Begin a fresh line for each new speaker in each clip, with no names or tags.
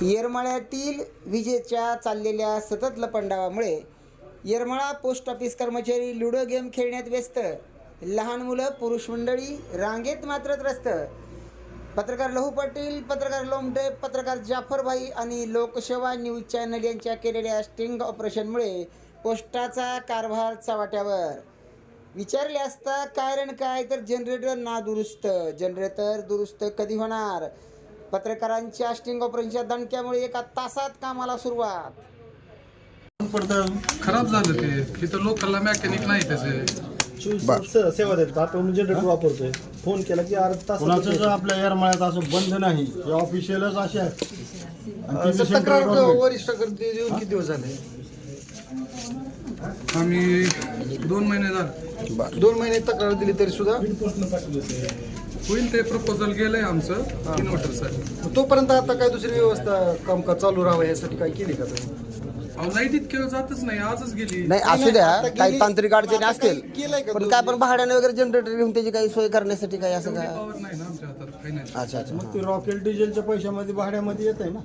येरमाळ्यातील विजेच्या चाललेल्या सतत लपंडावामुळे येरमाळा पोस्ट ऑफिस कर्मचारी लुडो गेम खेळण्यात व्यस्त, लहान मुलं पुरुष मंडळी रांगेत मात्र त्रस्त. पत्रकार लहू पाटील, पत्रकार लोमटे, पत्रकार जाफरभाई आणि लोकसेवा न्यूज चॅनल यांच्या केलेल्या स्टिंग ऑपरेशनमुळे पोस्टाचा कारभार चव्हाट्यावर. विचारले असता कारण काय तर जनरेटर नादुरुस्त. जनरेटर दुरुस्त कधी होणार? पत्रकारांच्या स्टिंग ऑपरेशनच्या दणक्यामुळे 1 तासात कामाला सुरुवात.
खराब झालं ते. इथं लोकलला मेकॅनिक नाही त्याचे.
सेवा देतात. आपण जनरेटर वापरतोय. फोन केला की अर्धा तास.
कोणाचं आपल्या येरमाळ्यात असं बंद नाही. हे ऑफिशियलच असे आहेत.
तक्रार वरिष्ठाकडे देऊन किती दिवस झाले?
आम्ही 2 महिने झाले.
2 महिने तक्रार दिली तरी सुद्धा
होईल. ते प्रपोजल गेलंय आमचं इन्व्हर्टरसाठी.
तोपर्यंत आता काय दुसरी व्यवस्था कामकाज चालू राहावं यासाठी काय केली का तुम्ही?
लाईट इतक्या जातच नाही, आजच गेली.
नाही असू द्या, काही तांत्रिक अडचणी असतील
केलंय का
पण काय पण भाड्याने वगैरे जनरेटर घेऊन त्याची काही सोय करण्यासाठी काही असं
एवढी
काय?
पॉवर नाही ना आमच्या हातात, काही नाही.
अच्छा अच्छा.
मग ते रॉकेल डिझेलच्या पैशामध्ये भाड्यामध्ये येत आहे ना.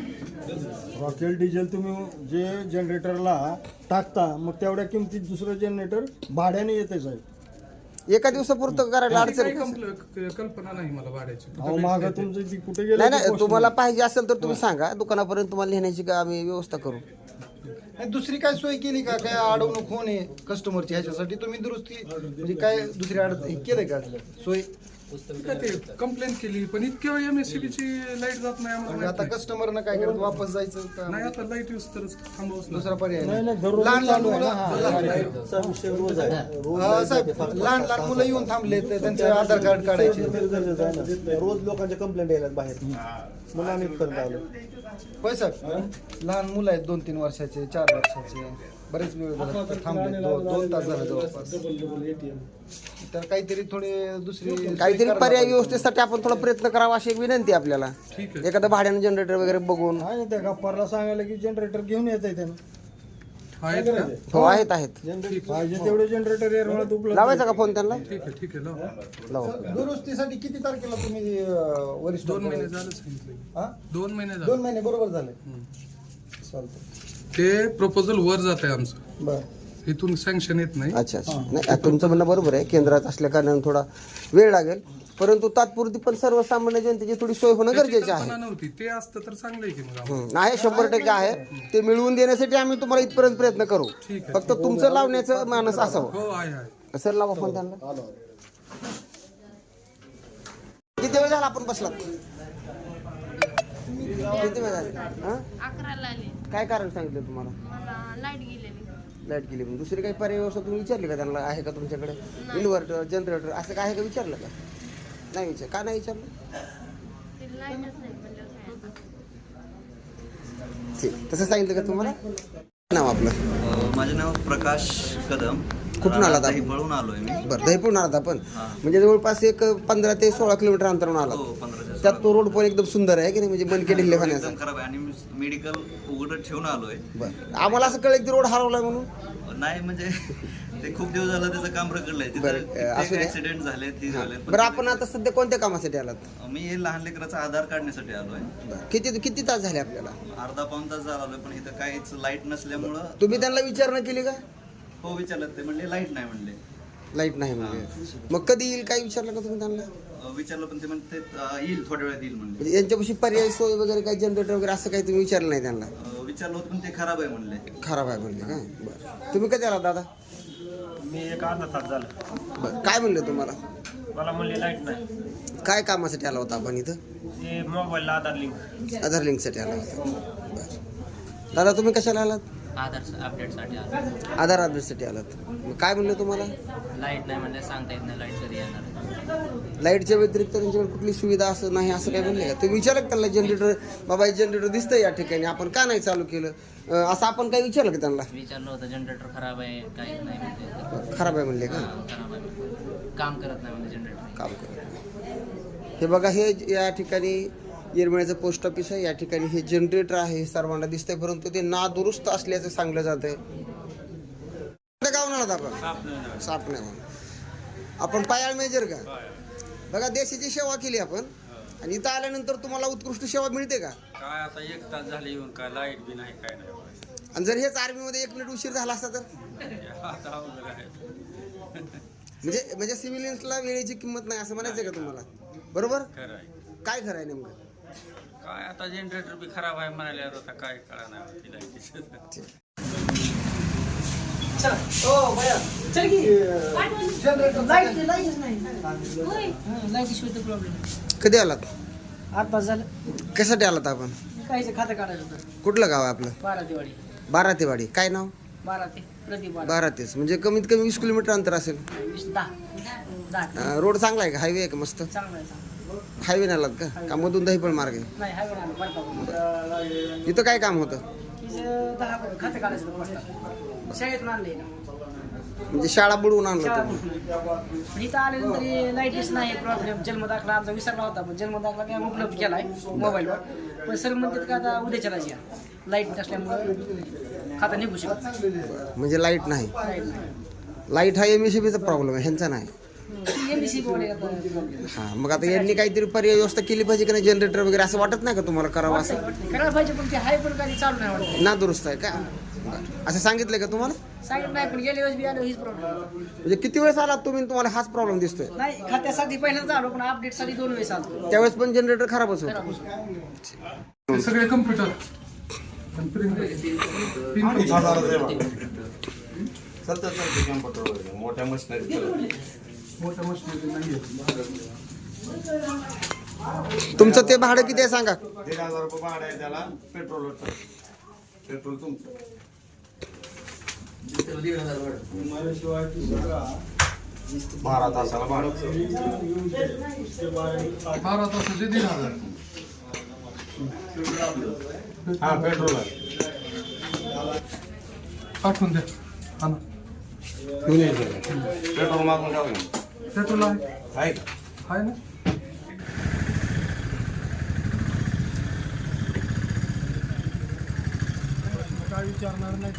रॉकेल डिझेल तुम्ही जे जनरेटरला टाकता मग तेवढ्या किमतीत दुसरं जनरेटर भाड्याने येते साहेब.
एका दिवसापुरतं करायला अडचण
काही
आहे?
कल्पना नाही मला भाड्याची.
अहो मागं तुमचं ती कुठे
नाही
गेलं?
नाही, तुम्हाला पाहिजे असेल तर तुम्ही सांगा, दुकानापर्यंत तुम्हाला नेण्याची का आम्ही व्यवस्था करू.
नाही, दुसरी काय सोय केली का? काय अडवणूक होणे कस्टमरची ह्याच्यासाठी तुम्ही दुरुस्ती म्हणजे काय दुसरी केलंय का सोय?
ते कंप्लेंट केली पण इतक्या MSCB ची लाईट जात नाही आम्हाला
म्हणजे आता
माहित
कस्टमरनं काय करत वापस जायचं का?
नाही. आता लाईट यूज तरच थांबवच नाही.
दुसरा पर्याय
नाही
नाही.
नाही, दररोज
लहान लहान
चालू आहे ना.
मुलं
हा, विषय रोज आहे.
साहेब लहान लहान मुलं येऊन थांबले तर त्यांचं आधार कार्ड काढायचे.
गरजेचं आहे ना. रोज लोकांच्या कंप्लेंट यायला बाहेर म्हणून आम्ही इथपर्यंत आलो.
होय साहेब, लहान मुलं आहेत 2-3 वर्षाचे, 4 वर्षाचे, बरेच वेळ झाला थांबले. 2 तास झाले जवळपास. तर काहीतरी थोडे दुसरी
काहीतरी पर्याय व्यवस्थेसाठी आपण थोडा प्रयत्न करावा अशी एक विनंती आहे आपल्याला.
ठीक आहे.
एखादं भाड्यानं जनरेटर वगैरे बघून.
आहे ना, त्या गप्पाला सांगायला की जनरेटर घेऊन येत आहे त्यानं.
आहेत का?
हो आहेत आहेत.
जनरेटर पाहिजे तेवढे जनरेटर येरमाळ्यात उपलब्ध
लावायचा का फोन त्यांना?
ठीक आहे, ठीक आहे. लावा.
लावा.
दुरुस्तीसाठी किती तारखेला तुम्ही वरिष्ठ
2 महिने झाले सांगितले.
हा?
2 महिने
2
झाले.
महिने बरोबर झाले. चालतं.
ते प्रपोजल वर जात आहे आमचं,
बर.
इथून सँक्शन येत नाही.
अच्छा अच्छा. नाही तुमचं म्हणणं बरोबर आहे, केंद्रात असल्या कारणाने थोडा वेळ लागेल, परंतु तात्पुरती पण सर्वसामान्य जनतेची थोडी सोय होणं गरजेचं आहे.
कल्पना नव्हती. ते असतं तर चांगलं आहे की मग आम्हाला.
आहे 100% आहे. ते मिळवून देण्यासाठी आम्ही तुम्हाला इथपर्यंत प्रयत्न करू.
ठीक आहे.
फक्त तुमचं लावण्याचं मानस असावं.
हो आहे.
सर लावा फोन त्यांना. किती वेळ झाला आपण बसलात? किती वेळ झाला? हा?
11ला आले.
काय कारण सांगितलं तुम्हाला?
मला लाईट गेलेली.
लाईट गेली. दुसरी काही पर्याय व्यवस्था तुम्ही विचारली का त्यांना? आहे का तुमच्याकडे इन्व्हर्टर, जनरेटर असं काय आहे का? विचारलं का? नाही विचार. का नाही विचारलं?
ते लाईटच नाही म्हणल्यावर काय आता?
ठीक. तसं सांगितलं का तुम्हाला? नाव आपलं?
माझे नाव प्रकाश कदम.
कुठून आलात आपण?
दहीपळून आलोय मी.
बरं, दहीपूर्ण आलात आपण? म्हणजे जवळपास एक 15 ते 16 किलोमीटर अंतरावरून
हो,
आलात.
15
त्यात तो रोड पण एकदम सुंदर आहे की नाही, म्हणजे मनके ढिल्ले खाण्याचा.
एकदम खराब आहे आणि मेडिकल उघडत ठेवून आलोय.
बरं, आम्हाला असं कळलं की रोड हरवलाय म्हणून.
नाही म्हणजे ते खूप दिवस झालं त्याचं काम रखडलंय.
बरं, असू द्या.
ऍक्सिडेंट झाले ते झाले.
बरं, आपण आता सध्या कोणत्या कामासाठी आलात?
मी हे लहान लेकराचा आधार काढण्यासाठी आलोय.
बरं, किती तास झाले आपल्याला?
अर्धा-पाऊण तास झाला आलोय पण इथं काहीच लाईट नसल्यामुळं.
तुम्ही त्यांना विचारणा केली का?
हो विचारलं. ते म्हणले लाईट नाही म्हणले.
लाईट नाही म्हणजे मग कधी येईल काय विचारलं का तुम्ही त्यांना?
विचारलं पण ते म्हणते येईल थोड्या वेळात येईल म्हणले.
म्हणजे यांच्यापाशी पर्याय सोय वगैरे काही जनरेटर वगैरे असं काही तुम्ही विचारलं नाही त्यांना?
विचारलं होतं पण ते खराब आहे म्हणले.
खराब आहे म्हणले का? बरं, तुम्ही कधी आला दादा?
मी एक अर्धा तास झाला.
बरं, काय म्हणले तुम्हाला?
मला म्हणले लाईट नाही.
काय कामासाठी आला होता आपण इथं?
ते मोबाईलला आधार लिंक.
आधार लिंकसाठी आला होता. बरं, दादा तुम्ही कशाला आलात?
आधार अपडेटसाठी आलो.
आधार अपडेटसाठी आलात. मग काय म्हणले तुम्हाला?
लाईट नाही म्हणजे सांगता येत नाही लाईट कधी येणार.
लाईटच्या व्यतिरिक्त त्यांच्याकडे कुठली सुविधा असं नाही असं काय म्हणले का? तुम्ही विचारलं का त्याला? जनरेटर बाबा जनरेटर दिसतंय या ठिकाणी, आपण का नाही चालू केलं असं आपण काही विचारलं का त्यांना?
विचारलं होतं जनरेटर खराब आहे काही नाही म्हणजे.
खराब आहे म्हणले का?
खराब आहे, काम करत नाही म्हणजे जनरेटर.
काम करत. हे बघा, हे या ठिकाणी येरमाळ्याचं पोस्ट ऑफिस आहे. या ठिकाणी हे जनरेटर आहे, हे सर्वांना दिसतंय, परंतु ते नादुरुस्त असल्याचं सांगलं जात आहे. गावून आलात आपण? सापणे. आपण पायाळ मेजर का? बघा, देशाची सेवा केली आपण. आणि इथं आल्यानंतर तुम्हाला उत्कृष्ट सेवा मिळते का?
काय आता 1 तास झाले येऊन काय लाईट बी नाही काय नाही
आणि जर हेच आर्मीमध्ये 1 मिनिट उशीर झाला असता तर
आता अवघड आहे.
म्हणजे सिव्हिलियन्सला वेळेची किंमत नाही असं म्हणायचं का तुम्हाला? बरोबर.
खरं आहे.
काय खरं आहे नेमकं?
काय आता जनरेटर बी खराब आहे म्हणाल्यावर आता काय कळा नाही ती लाईटीचं.
कधी आलात?
8 तास झालं.
कशासाठी आलात आपण?
काहीच खातं काढायचं होतं.
कुठलं गाव आहे आपलं?
12 दिवाळी.
बारातेवाडी. काय नाव?
12 ते प्रदीप 12.
बारातेच म्हणजे कमीत कमी 20 किलोमीटर अंतर असेल.
10
रोड चांगला आहे का? हायवे आहे का? मस्त
चांगलं आहे चांगलं.
हायवे आलात का मधून दहीपळ मार्ग आहे?
नाही हायवे आलं बरं.
इथं काय काम होतं?
10 खातं काढायचं होतं पोस्टात. शाळेतून आणले ना.
म्हणजे शाळा बुडवून आणलं
शाळा
तुम्ही?
पण इथं आल्यानंतर लाईटच नाही प्रॉब्लेम. जन्मदाखला आमचा विसरला होता पण जन्मदाखला काय उपलब्ध केलाय मोबाईलवर. पण सर म्हणतात का आता उद्या चलायची लाईट नसल्यामुळं खाता निघू शकत.
म्हणजे लाईट नाही.
लाईट नाही.
लाईट हा MSCBचा प्रॉब्लेम आहे, ह्यांचा नाही.
MBC बोर्ड आहे आता.
हा मग आता यांनी काहीतरी पर्याय व्यवस्था केली पाहिजे की नाही? जनरेटर वगैरे असं वाटत नाही का तुम्हाला करावं असं?
करायला पाहिजे पण ते हाय पण काही चालू नाही वाटत.
ना दुरुस्त आहे का? असं सांगितलंय का तुम्हाला?
सांगितलं नाही पण गेल्या वेळेस बी आलो हीच प्रॉब्लेम.
म्हणजे किती वेळेस आलात तुम्ही आणि तुम्हाला हाच प्रॉब्लेम दिसतोय?
नाही खात्यासाठी पहिल्यांदा आलो पण अपडेटसाठी 2 वेळेस आलो.
त्यावेळेस पण जनरेटर खराबच होतं.
खराब होतं.
ते सगळे कम्प्युटर
मोठ्या मशिनरी
मोठ्या मशीनरी नाही.
तुमचं ते भाडं किती आहे सांगा?
1,500 रुपये भाडं आहे त्याला. पेट्रोल तुमचं. 12 तासाला भाडं.
12 तासाचे 1,500.
हा पेट्रोल आहे.
पाठवून द्या. हा ना.
पेट्रोल मागून जाऊ
पेट्रोल आहे
आहे का?
आहे ना.
काय विचारणार नाही.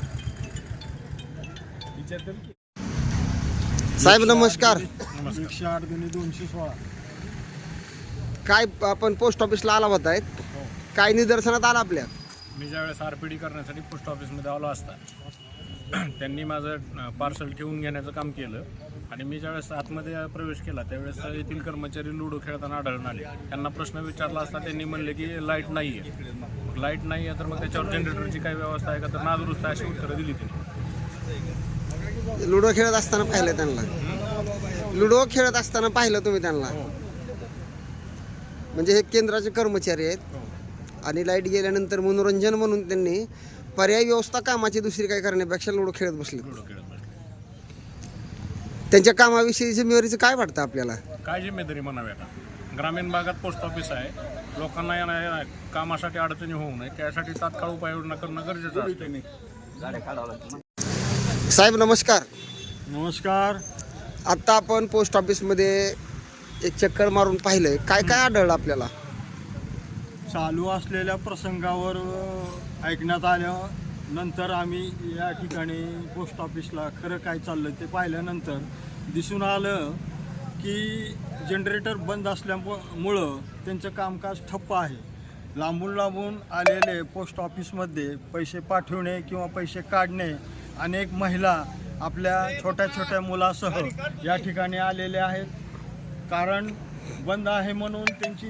साहेब नमस्कार.
108 गुणिले 216.
काय आपण पोस्ट ऑफिसला आला होता काय निदर्शनात आला आपल्या?
मी ज्यावेळेस RPD करण्यासाठी पोस्ट ऑफिसमध्ये आलो असता त्यांनी माझं पार्सल ठेवून घेण्याचं काम केलं आणि मी ज्यावेळेस आतमध्ये प्रवेश केला त्यावेळेस येथील कर्मचारी लुडो खेळताना आढळून आले. त्यांना प्रश्न विचारला असता त्यांनी म्हणले की लाईट नाही आहे. मग लाईट नाही आहे तर मग त्याच्यावर जनरेटरची काय व्यवस्था आहे का तर नादुरुस्त अशी उत्तरं दिली त्यांनी.
लुडो खेळत असताना पाहिलं त्यांना? लुडो खेळत असताना पाहिलं तुम्ही त्यांना? म्हणजे हे केंद्राचे कर्मचारी आहेत आणि लाईट गेल्यानंतर मनोरंजन म्हणून त्यांनी पर्यायी व्यवस्था कामाची दुसरी काय करण्यापेक्षा लुडो खेळत बसले.
लुडो खेळत बसले.
त्यांच्या कामाविषयी जिम्मेवारीचं काय वाटतं आपल्याला?
काय जिम्मेदारी म्हणावी आता? ग्रामीण भागात पोस्ट ऑफिस आहे. लोकांना या कामासाठी अडचणी होऊ नये त्यासाठी तात्काळ उपाययोजना करणं गरजेचं असतं.
साहेब नमस्कार.
नमस्कार.
आत्ता आपण पोस्ट ऑफिसमध्ये एक चक्कर मारून पाहिलंय. काय काय आढळलं आपल्याला?
चालू असलेल्या प्रसंगावर ऐकण्यात आल्यानंतर आम्ही या ठिकाणी पोस्ट ऑफिसला खरं काय चाललं ते पाहिल्यानंतर दिसून आलं की जनरेटर बंद असल्यामुळं त्यांचं कामकाज ठप्प आहे. लांबून लांबून आलेले पोस्ट ऑफिसमध्ये पैसे पाठवणे किंवा पैसे काढणे अनेक महिला आपल्या छोट्या छोट्या मुलासह या ठिकाणी आलेले आहेत. कारण बंद आहे म्हणून त्यांची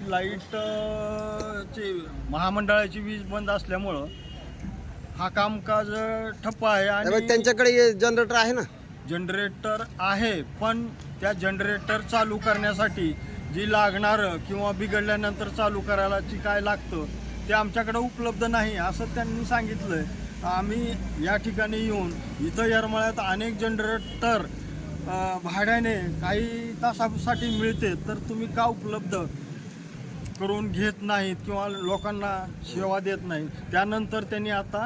लाईटची महामंडळाची वीज बंद असल्यामुळं हा कामकाज ठप्प आहे. आणि
त्यांच्याकडे जनरेटर आहे ना?
जनरेटर आहे पण त्या जनरेटर चालू करण्यासाठी जी लागणारं किंवा बिघडल्यानंतर चालू करायला जी काय लागतं ते आमच्याकडे उपलब्ध नाही असं त्यांनी सांगितलं. आम्ही या ठिकाणी येऊन इथं येरमाळ्यात अनेक जनरेटर भाड्याने काही तासासाठी मिळते तर तुम्ही का उपलब्ध करून घेत नाहीत किंवा लोकांना सेवा देत नाहीत. त्यानंतर त्यांनी आता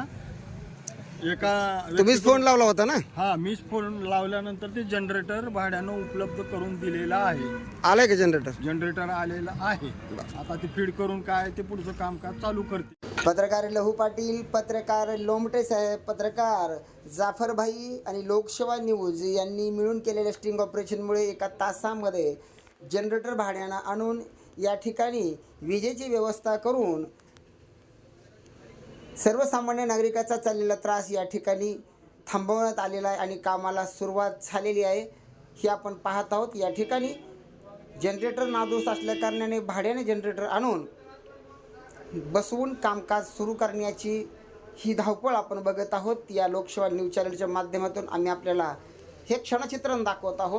तुम्हीच फोन लावला होता ना?
हा मीच फोन लावल्यानंतर ते जनरेटर भाड्यानं उपलब्ध करून दिलेलं आहे.
आलंय का जनरेटर?
जनरेटर आलेलं आहे. आता ते फीड करून काय ते पुढचं कामकाज चालू करते.
पत्रकार लहू पाटील, पत्रकार लोमटे साहेब, पत्रकार जाफरभाई आणि लोकसेवा न्यूज यांनी मिळून केलेल्या स्टिंग ऑपरेशनमुळे एका तासामध्ये जनरेटर भाड्यानं आणून या ठिकाणी विजेची व्यवस्था करून सर्वसामान्य नागरिकाचा चाललेला त्रास या ठिकाणी थांबवण्यात आलेला आहे आणि कामाला सुरुवात झालेली आहे हे आपण पाहत आहोत. या ठिकाणी जनरेटर नादुरुस्त असल्याकारणाने भाड्याने जनरेटर आणून बसवून कामकाज सुरू करण्याची ही धावपळ आपण बघत आहोत. या लोकसेवा न्यूज चॅनलच्या माध्यमातून आम्ही आपल्याला हे क्षणचित्रण दाखवत आहोत.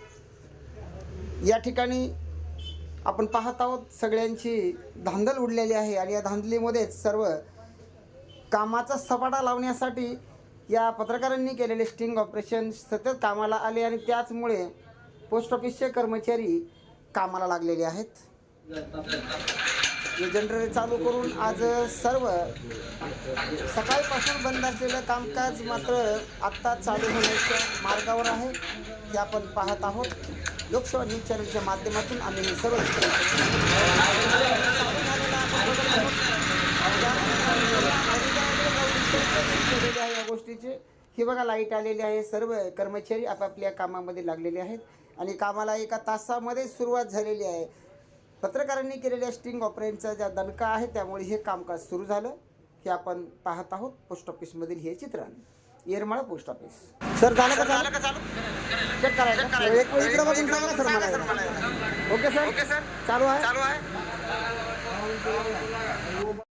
या ठिकाणी आपण पाहत आहोत सगळ्यांची धांदल उडलेली आहे आणि या धांदलीमध्येच सर्व कामाचा सपाटा लावण्यासाठी या पत्रकारांनी केलेले स्टिंग ऑपरेशन सतत कामाला आले आणि त्याचमुळे पोस्ट ऑफिसचे कर्मचारी कामाला लागलेले आहेत. जनरेटर चालू करून आज सर्व सकाळपासून बंद असलेलं कामकाज मात्र आत्ता चालू होण्याच्या मार्गावर आहे हे आपण पाहत आहोत. लोकसेवा न्यूज चॅनलच्या माध्यमातून आम्ही हे सर्व या गोष्टीचे हे बघा लाईट आलेली आहे. सर्व कर्मचारी आपापल्या कामामध्ये लागलेले आहेत आणि कामाला एका तासामध्ये सुरुवात झालेली आहे. पत्रकारांनी केलेल्या स्टिंग ऑपरेशनचा ज्या दणका आहे त्यामुळे हे कामकाज सुरू झालं हे आपण पाहत आहोत. पोस्ट ऑफिसमधील हे चित्रण येरमाळा पोस्ट ऑफिस. सर झालं का चालू चेक करायचं एक वेळ इकडं बघून सांगा सर मला. ओके सर चालू आहे.